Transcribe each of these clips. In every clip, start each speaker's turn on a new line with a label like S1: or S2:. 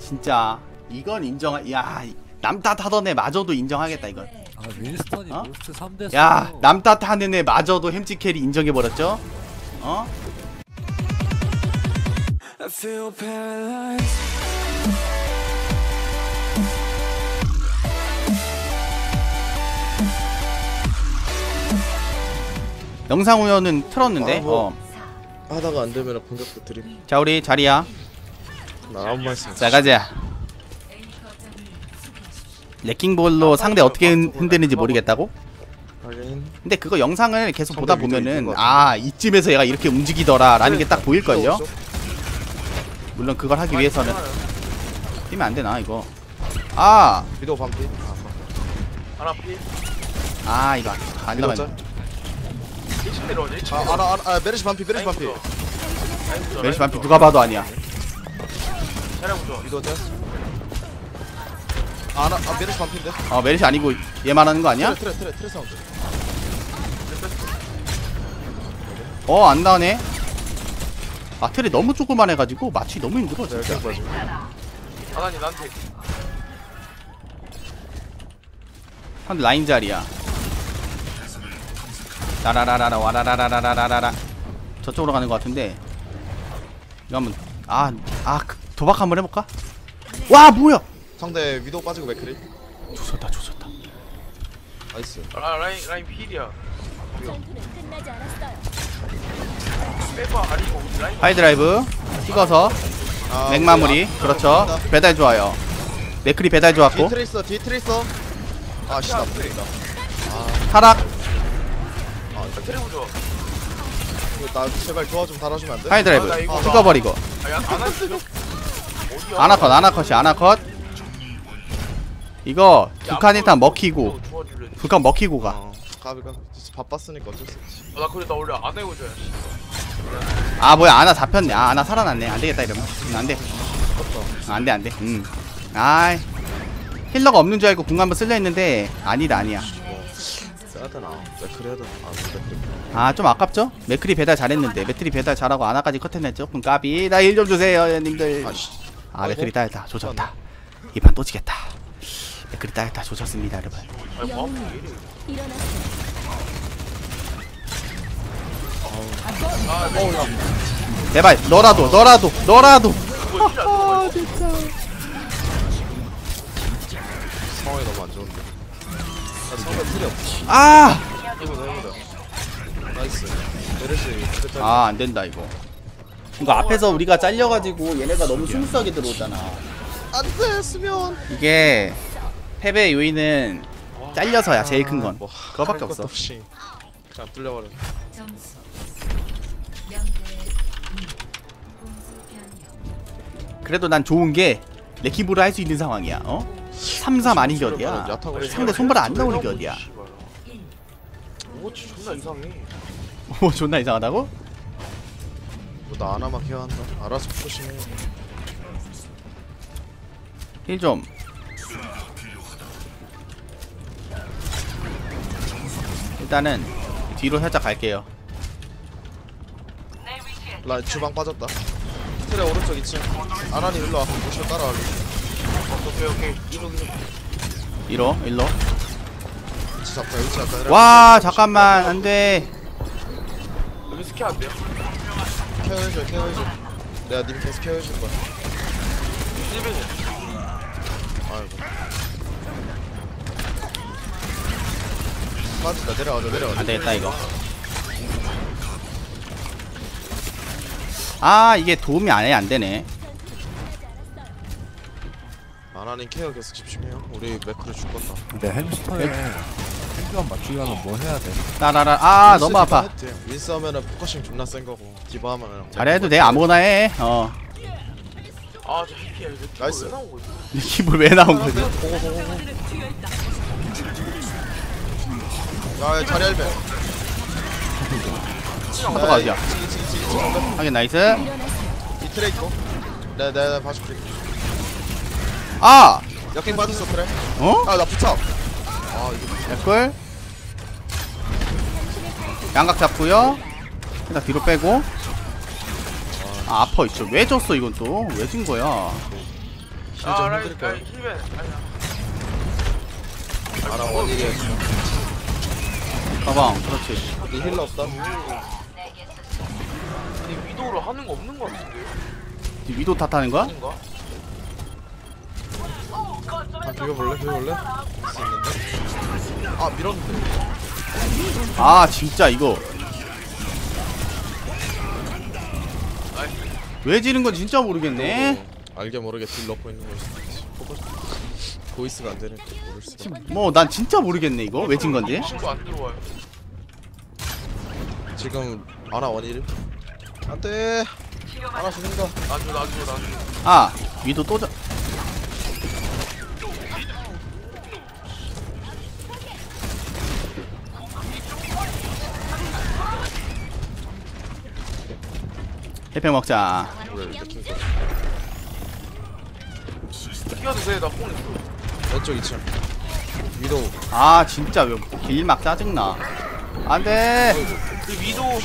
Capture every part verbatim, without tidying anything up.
S1: 진짜 이건 인정. 야 남탓 하던 애 마저도 인정하겠다 이건.
S2: 아 윈스턴이
S1: 어?
S2: 모스트 삼 대
S1: 야 남탓 하는 애 마저도 햄찌 캐리 인정해버렸죠. 어?
S3: I feel paralyzed.
S1: 영상 우연은 틀었는데.
S4: 아, 뭐.
S1: 어.
S4: 하다가 안 되면 공격도 드림.
S1: 자 우리 자리야.
S4: 나 아무 말씀.
S1: 자 가자. 레킹볼로 상대 어떻게 흔- 흔드는지 모르겠다고?
S4: 하긴.
S1: 근데 그거 영상을 계속
S4: 상대
S1: 보다
S4: 위도
S1: 보면은
S4: 있는 것
S1: 아 이쯤에서 얘가 이렇게 움직이더라 라는 게 딱 보일걸요? 물론 그걸 하기 위해서는 뛰면 안 되나 이거. 아!
S4: 위도 반피.
S5: 하나 피.
S1: 아 이거 안
S4: 위도
S1: 나가네.
S4: 짤.
S5: 일층 내려오지. 일층
S4: 아, 알아, 알아, 아, 메르시 반피, 메르시 반피.
S1: 멜시 반피 누가 봐도 아니야.
S5: 차량 부조.
S4: 위도 짤. 아, 나, 아, 메르시 반피인데.
S1: 어 멜시 아니고 얘 말하는 거 아니야?
S4: 트레, 트레, 트레, 트레 사운드.
S1: 어 안 나오네. 아 틀이 너무 조그만해가지고 맞추기 너무 힘들어
S4: 네,
S1: 진짜.
S4: 이렇게 봐줘.
S5: 하나님 나한테.
S1: 상대 라인 자리야. 라라라라라 와라라라라라라. 저쪽으로 가는 것 같은데. 이거 한번 아아 도박 한번 해볼까? 와 뭐야?
S4: 상대 위도 빠지고 맥크리.
S1: 조졌다 조졌다.
S4: 나이스.
S5: 아 라인 라인 필이야.
S6: 전투는 끝나지 않았어요.
S5: 빼봐 아니고 라인.
S1: 하이드라이브 찍어서
S4: 아,
S1: 맥 마무리.
S4: 우리
S1: 그렇죠.
S4: 아,
S1: 배달 좋아요. 맥크리 배달
S4: 뒤
S1: 좋았고.
S4: 트레 있어, 뒤 트레 있어. 아, 씨, 나 풀린다.
S1: 타락.
S5: 트레 부조.
S4: 이거 나 제발 도와 좀 달아주면 안 돼?
S1: 하이드라이브
S5: 아, 나 이거
S1: 찍어버리고.
S5: 아야 안 하시죠? 어디야?
S1: 아나컷 아나컷이 아나컷. 이거 북한 일단 먹히고
S5: 주워줄래.
S1: 북한 먹히고 가.
S4: 어, 가비가 진짜 바빴으니까 어쩔 수 없지.
S5: 나 그래 나 원래 안 해고 줘야.
S1: 아 뭐야 아나 잡혔네. 아 아나 살아났네. 안되겠다 이러면. 음, 안돼. 아, 안돼 안돼. 음. 아이 힐러가 없는 줄 알고 궁 한번 쓸려 했는데 아니다 아니야.
S4: 써야 되나? 맥크리 해야 되나? 아, 맥크리.
S1: 아 좀 아깝죠? 맥크리 배달 잘했는데 맥크리 배달 잘하고 아나까지 컷했네. 조금 까비. 나 일 좀 주세요 님들.
S4: 아씨.
S1: 아 맥크리 따였다. 조졌다. 이 판 또 지겠다. 맥크리 따였다. 조졌습니다 여러분.
S5: 아니 뭐
S6: 영웅이 일어났어요.
S1: 제발 너라도 너라도 너라도.
S5: 그거 진짜 안 들어가.
S4: 상황이 너무 안 좋은데. 나 상대 틀이 없어.
S1: 아!
S4: 이거 해보자. 나이스. 메르시 트레 짤.
S1: 아 안된다 이거. 이거 앞에서 우리가 잘려가지고 얘네가 너무 스무스하게 들어오잖아.
S4: 안 됐으면.
S1: 이게 패배의 요인은 잘려서야 제일 큰 건.
S4: 뭐,
S1: 그거밖에
S4: 할 것도
S1: 없어.
S4: 없이 그냥 뚫려버려.
S6: 점수 영 대 이. 공수 변경.
S1: 그래도 난 좋은 게 레킹볼을 할 수 있는 상황이야. 어? 삼 삼 아닌 게 어디야.
S4: 야타고
S1: 상대 손발 안 나오는 게 어디야.
S5: 오치 존나 이상해.
S1: 오 존나 이상하다고?
S4: 뭐나 하나만 케어한다. 알아서 조심해.
S1: 힐 좀. 일단은 뒤로 살짝 갈게요.
S4: 라 주방 빠졌다. 트레 오른쪽 이 층. 아란이 일로 와. 무시로 따라와.
S5: 오케이 오케이 이동 이동.
S1: 이로 일로.
S4: 위치 잡자. 위치 잡자.
S1: 와 잠깐만 안돼.
S5: 여기 스킬 안 돼요?
S4: 케어해줘. 케어해줘. 내가 님 계속 케어해줄 거야.
S5: 일벤이.
S4: 아이고. 빠진다. 내려가자. 내려가자.
S1: 안되겠다 이거. 아 이게 도움이 안해 안되네.
S4: 아란이 케어 계속 집중해요. 우리 맥크를 줄 건다.
S2: 근데 햄스터에 챔피언 맞추기 하면 뭐 해야 돼?
S1: 따라라. 아 너무 아파.
S4: 윈스 하면은 포커싱 존나 센 거고 디바 하면은
S1: 잘해도 돼 아무거나 해. 어.
S5: 아저 히피야 이거
S4: 나이스.
S5: 왜 나온 거지?
S1: 립을 왜 나온 거지?
S4: 야 자리 할배.
S1: 파도가 어디야? 하긴 나이스.
S4: 이 트레 있고. 내가 내가 봐줄게.
S1: 아!
S4: 역행 빠졌어 트레.
S1: 어?
S4: 아나 붙여. 아 이거
S1: 개꿀. 양각 잡고요. 일단 뒤로 빼고. 아 아파 있죠. 왜 졌어 이건 또? 왜 진 거야?
S4: 힐좀
S5: 아 라인
S4: 해드릴까요?
S5: 라인 힐벤 아니야.
S4: 아나 원일이야.
S1: 가방. 그렇지.
S4: 이 힐러 없다.
S5: 아니 위도우로 하는 거 없는 거 같은데.
S1: 위도 탓하는 거야?
S5: 아닌가?
S4: 아 비벼볼래? 비벼볼래? 할수 있는데. 아 밀었는데.
S1: 아 진짜 이거 왜 지는 건 진짜 모르겠네.
S4: 알게 모르게 딜 넣고 있는 걸 수도 있지. 포커스. 보이스가 안 되니까 모를 수가.
S1: 뭐 난 진짜 모르겠네 이거 왜 진 건지.
S5: 친구 안 들어와요.
S4: 지금 아나 원일. 안돼. 아나 죽는다.
S5: 나줘 나줘 나줘.
S1: 아 위도 또 자... 해평 먹자.
S4: 왜 이렇게
S5: 뛰어드세요 나뽕 있어.
S4: 왼쪽 이 층. 위도우.
S1: 아 진짜 왜 길막 짜증나. 안돼.
S5: 그 위도우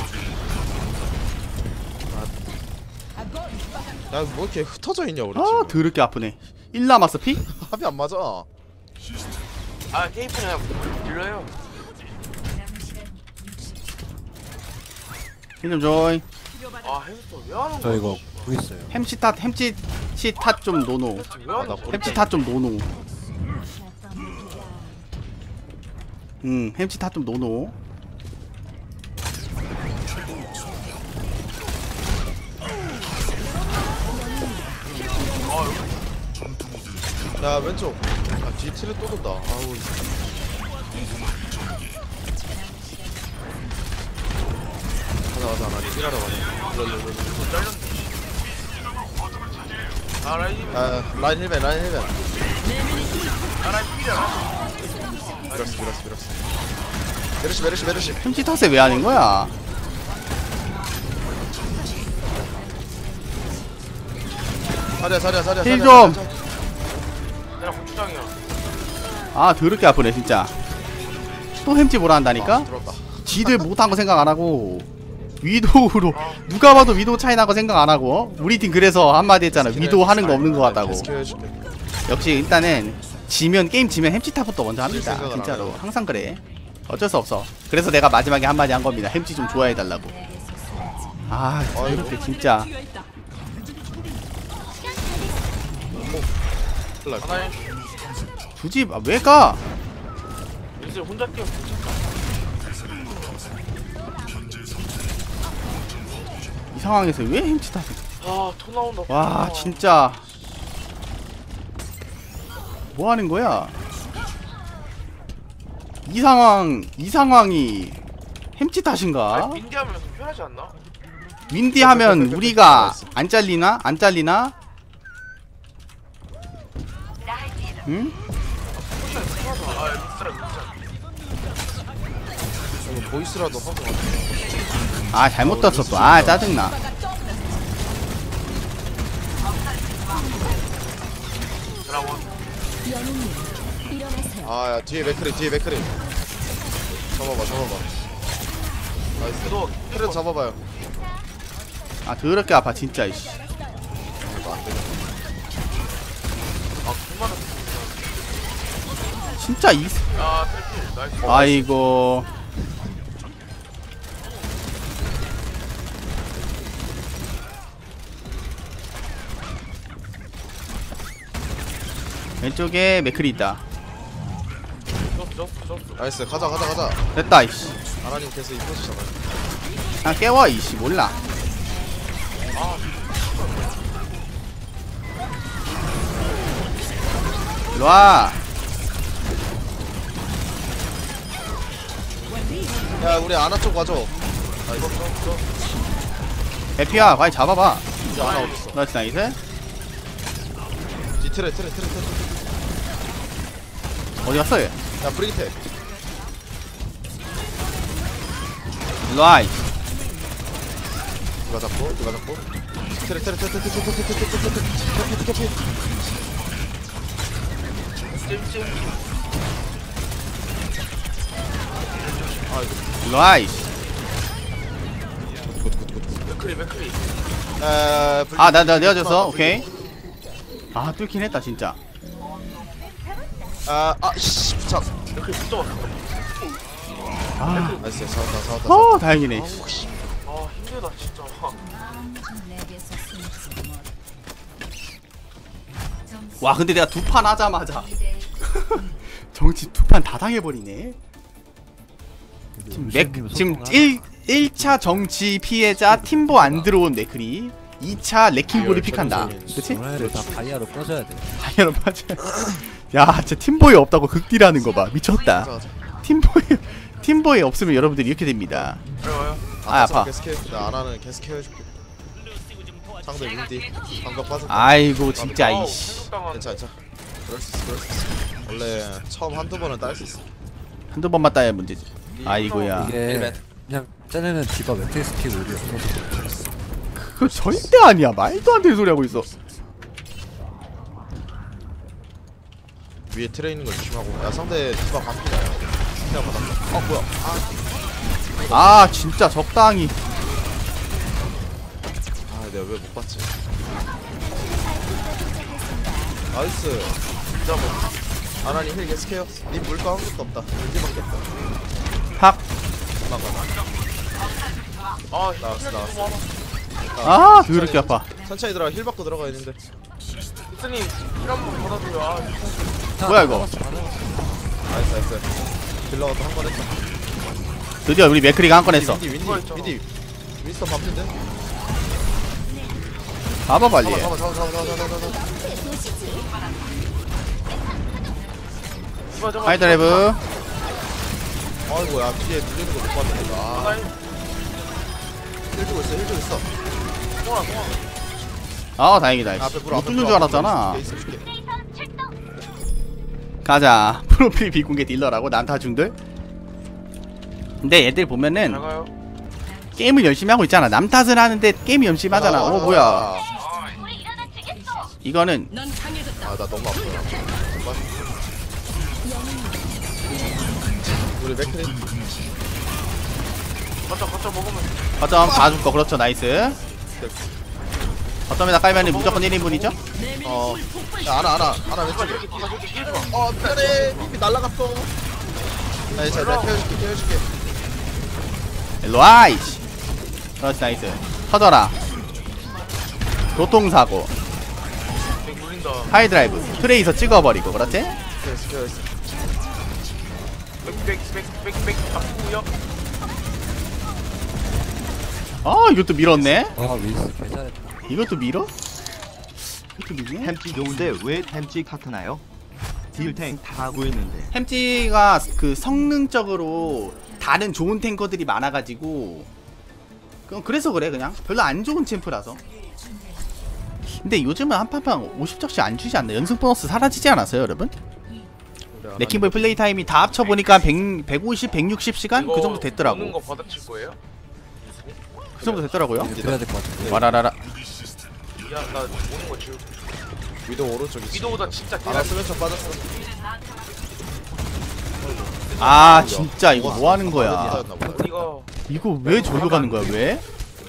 S4: 야뭐 이렇게 흩어져 있냐 우리
S1: 아
S4: 지금.
S1: 더럽게 아프네. 일 남았어 피?
S4: 합이 안 맞아.
S5: 아 테이프는 그냥 들려요.
S1: 힐좀 줘이.
S5: 아 햄스터 왜 하는
S2: 저
S5: 거야?
S2: 이거 구 있어요.
S1: 햄치 탓 햄치 탓좀 노노.
S5: 왜 하는 거야?
S1: 햄치 탓좀 노노. 음 햄치 탓좀 노노.
S4: 야 왼쪽. 아 뒤에 틀에 또 돈다. 아우. 가자 가자 나 딜하러 가자. 일로 일로 일로.
S5: 아 라인 힐벤.
S4: 아 라인 힐벤 라인 힐벤.
S5: 아 라인 힐이야.
S4: 밀었어 밀었어 밀었어. 메르시 메르시 메르시.
S1: 햄치 탓에 왜 하는 거야?
S4: 자리야 자리야 자리야.
S1: 힐
S4: 자리야,
S1: 좀.
S4: 자리야.
S5: 내가 고추장이야.
S1: 아 더럽게 아프네 진짜. 또 햄치 뭐라 한다니까?
S4: 아, 들어왔다.
S1: 지들 못한 거 생각 안 하고 위도우로 누가 봐도 위도우 차이 나고 생각 안 하고 어? 우리 팀 그래서 한마디 했잖아. 위도우 하는 거 없는 거 같다고.
S4: 스킬 해줄게.
S1: 역시 일단은 지면 게임 지면 햄찌탑부터 먼저 합니다.
S4: 생각을 안
S1: 진짜로
S4: 해요.
S1: 항상 그래. 어쩔 수 없어. 그래서 내가 마지막에 한마디 한 겁니다. 햄찌 좀 좋아해 달라고. 아 이렇게 진짜.
S4: 큰일 날
S5: 하나에
S1: 굳이 아, 왜 가?
S5: 요새 혼자 뛰어.
S1: 이 상황에서 왜 햄찌탑?
S5: 아토 나온다. 토
S1: 와
S5: 나와.
S1: 진짜 뭐 하는 거야? 이 상황 이 상황이 햄찌 탓인가?
S5: 아니, 민디하면 좀 편하지 않나?
S1: 윈디 하면 우리가 안 잘리나? 안 잘리나? 응?
S5: 포션 편하다. 아 믹스라 믹스라.
S4: 이거 보이스라도 하고.
S1: 아 잘못 떴어 또. 아 짜증나.
S5: 드라곤.
S6: 영웅님 일어나세요.
S4: 아야 뒤에 맥크리 뒤에 맥크리. 잡아봐 잡아봐. 나이스.
S5: 그래도
S4: 트렌 잡아봐요.
S1: 아 더럽게 아파 진짜 이씨.
S4: 이거 안 되겠다.
S5: 아 그만은.
S1: 진짜 이
S5: 아 트래필 나이스.
S1: 아이고 왼쪽에 맥클이 있다.
S5: 졌어 졌어 졌어.
S4: 나이스 가자 가자 가자.
S1: 됐다 이씨.
S4: 아라님 계속 이뻐지잖아요.
S1: 그냥 깨워 이씨. 몰라. 일로와.
S4: 야 우리 아나 쪽 와줘. 나이스.
S1: 에피야 과연 잡아봐.
S4: 이제 아나 어딨어?
S1: 나이스 나이스.
S4: 뒤 트레 트레 트레 트레.
S1: 어디 갔어 얘?
S4: 야 브리기테.
S1: 일로와 이씨.
S4: 누가 잡고 누가 잡고. 트레 트레 트레 트레 트레 트레 트레 트레 트레 트레 트레 트레.
S5: 찜찜.
S4: 아이고.
S1: 일로와 이씨.
S5: 맥크리 맥크리.
S4: 에
S1: 아 나 나 내가 졌어. 오케이. 아 뚫긴 했다 진짜.
S4: 아아씨 참.
S5: 이렇게 붙잡았어.
S1: 아,
S4: 나이스 잡았다 잡았다.
S1: 어 다행이네.
S5: 아 힘들다 진짜.
S1: 와 근데 내가 두 판 하자마자 정치 두 판 다 당해버리네. 지금 맥 지금 일 1차 정치 피해자 팀보 안 들어온 맥크리, 이 차 레킹볼이 픽한다. 그치?
S2: 전화를 다 다이아로 꺼져야 돼.
S1: 당연히 맞아. 야 진짜 팀보이 없다고 극딜하는 거 봐. 미쳤다. 팀보이 팀보이 없으면 여러분들이 이렇게 됩니다.
S5: 어려워요.
S1: 아 아파.
S4: 계속 케어. 나 아나는 계속 케어해줄게. 상대 윈디 방금 빠졌다.
S1: 아이고 진짜
S5: 아우,
S1: 이씨.
S5: 생각당한.
S4: 괜찮아 괜찮아. 그럴 수 있어 그럴 수 있어. 원래 처음 한두 번은 딸 수 있어.
S1: 한두 번만 따야 문제지. 아이고야.
S2: 이게
S4: 일벤.
S2: 그냥 쟤네는 디바 매트릭스 스킬 우리 없어서
S1: 그거 절대 아니야. 말도 안 되는 소리 하고 있어.
S4: 위에 트레 있는 거 조심하고. 야 상대 디바 반피다. 그냥 받았다. 어 뭐야? 아,
S1: 아 진짜 적당히.
S4: 아 내가 왜 못 봤지? 나이스.
S5: 진짜 뭐.
S4: 아나니 힐 계속 케어. 니 물거 아무것도 없다. 윈디밖에 없다.
S1: 팍.
S4: 도망가.
S5: 아
S4: 나왔어, 나왔어.
S5: 너무 많아.
S1: 아 더럽게 아파.
S4: 천천히 들어가. 힐 받고 들어가야 되는데.
S5: 이스님 힐 한번 받아줘요. 아
S1: 뭐야 이거?
S4: 나이스 나이스. 딜러가 또 한 번 했다.
S1: 드디어 우리 맥크리가 한 건 했어.
S4: 윈디 윈디
S5: 누가 했잖아.
S4: 윈디. 윈스턴 반피인데?
S1: 봐봐 빨리.
S4: 잡아 잡아 잡아 잡아 잡아 잡아 잡아.
S5: 이거 저거.
S1: 하이드라이브.
S4: 아이고 야 뒤에 눌리는 거 못 봤네. 아,
S5: 나이.
S4: 힐 주고 있어 힐 주고 있어.
S5: 동아 동아.
S1: 아 다행이다.
S4: 앞에 불
S1: 못
S4: 앞에
S1: 뚫는
S4: 불,
S1: 줄
S4: 앞에
S1: 알았잖아.
S4: 불 있을게, 있을게.
S1: 가자. 프로필 비공개 딜러라고 남타중들. 근데 애들 보면은
S5: 잘 가요.
S1: 게임을 열심히 하고 있잖아. 남 탓을 하는데 게임이 열심히 하잖아. 어 뭐야?
S4: 아,
S1: 이거는
S4: 아, 나 너무 아프다. 정말. 우리 맥크리.
S5: 갖다 갖다 먹으면.
S1: 거점 봐줄 거. 그렇죠. 나이스. 거점에다 깔면은 무조건 일 인분이죠?
S4: 어. 야, 알아, 알아. 알아, 왼쪽에. 어, 미안해. 비비 날라갔어. 아니, 자, 내가 태워줄게, 태워줄게.
S1: 일로와 이씨. 그렇지 나이스. 터져라. 교통사고.
S5: 백 물린다.
S1: 하이드라이브. 트레이서 찍어버리고. 그렇지?
S4: 태웠어, 태웠어.
S5: 백백백백백 아프고요.
S1: 아 이것도 밀었네.
S2: 아 윈스 괜찮았다.
S1: 이것도 밀어? 이것도 밀네?
S7: 햄찌 좋은데 왜 햄찌 탓하나요? 딜탱 다 구했는데.
S1: 햄찌가 그 성능적으로 다른 좋은 탱커들이 많아가지고 그럼 그래서 그래. 그냥 별로 안 좋은 챔프라서. 근데 요즘은 한판판 오십 적씩 안 주지 않나? 연승 보너스 사라지지 않았어요 여러분? 레킹볼 플레이 타임이 다 합쳐보니까 백, 백오십, 백육십 시간? 그 정도
S5: 오는
S1: 됐더라고.
S5: 거 받아칠 거예요?
S1: 그 정도 됐더라고요.
S2: 이제 들어야 될 것 같은데.
S1: 와라라라.
S5: 야 나 오는 거 지금.
S4: 위도 오른쪽이지.
S5: 위도보다 진짜
S4: 알아,
S5: 대단히.
S4: 쓰면 좀 빠졌어.
S1: 아 진짜 이거 뭐 하는 거야?
S5: 이거
S1: 이거 왜 저기로 가는 거야 왜?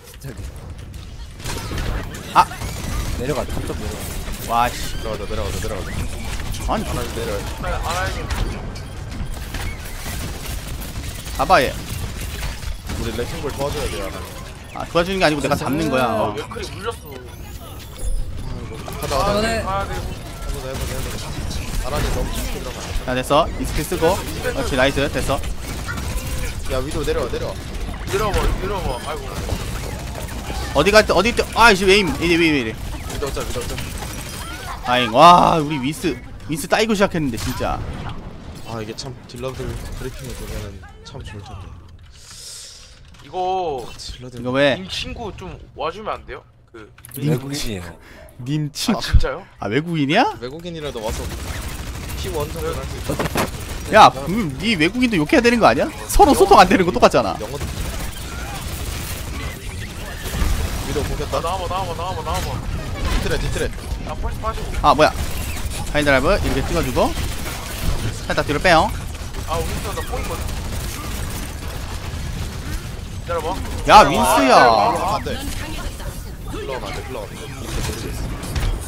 S2: 내려가. 점점 내려가.
S1: 와씨.
S4: 내려가자, 내려가자, 내려가자.
S1: 아니
S4: 하나 내려.
S5: 알아야지.
S1: 봐봐 얘.
S4: 우리 레킹볼 도와줘야 돼, 하나.
S1: 아 도와주는 게 아니고 내가 잡는 거야. 어.
S5: 맥클이 물렸어.
S4: 가자, 가자.
S2: 네.
S5: 가야 되고.
S4: 해보자, 해보자, 해보자. 아란이 너무 깊게 들어가.
S1: 자 됐어. 이 스킬 쓰고. 그렇지 나이스 됐어.
S4: 야, 위도 내려와, 내려와.
S5: 내려봐 내려봐. 아이고.
S1: 어디 갈 때 어디 때 아이씨 왜 임. 이래 왜 이래.
S4: 위도 어짜, 위도 어짜.
S1: 아잉. 와 우리 윈스 윈스 따이고 시작했는데 진짜.
S4: 아, 이게 참 딜러들 브리핑을 보면은 참 좋을 텐데.
S5: 이거
S4: 딜러들.
S1: 이거 왜?
S5: 님 친구 좀 와주면 안 돼요? 그
S2: 외국인이에요.
S1: 님 친.
S5: 아, 진짜요?
S1: 아 외국인이야?
S4: 외국인이라도 와서 티 원 정도 할수 있어.
S1: 야, 그럼 네 외국인도 욕해야 되는 거 아니야? 서로 소통 안 되는 거 똑같잖아.
S4: 영어도. 위도
S5: 나
S4: 보겠다.
S5: 나와봐 나와봐 나와봐 나와봐.
S4: 뒤틀에, 뒤틀에.
S5: 나 펄스 빠지고.
S1: 아 뭐야? 하이드라이브 이렇게 찍어주고 살짝 뒤로 빼요.
S5: 아 윈스턴 나 포인거든. 기다려봐.
S1: 야 윈스야.
S4: 안 돼. 흘러가면 안 돼, 흘러가면 안 돼. 이렇게 모르겠어.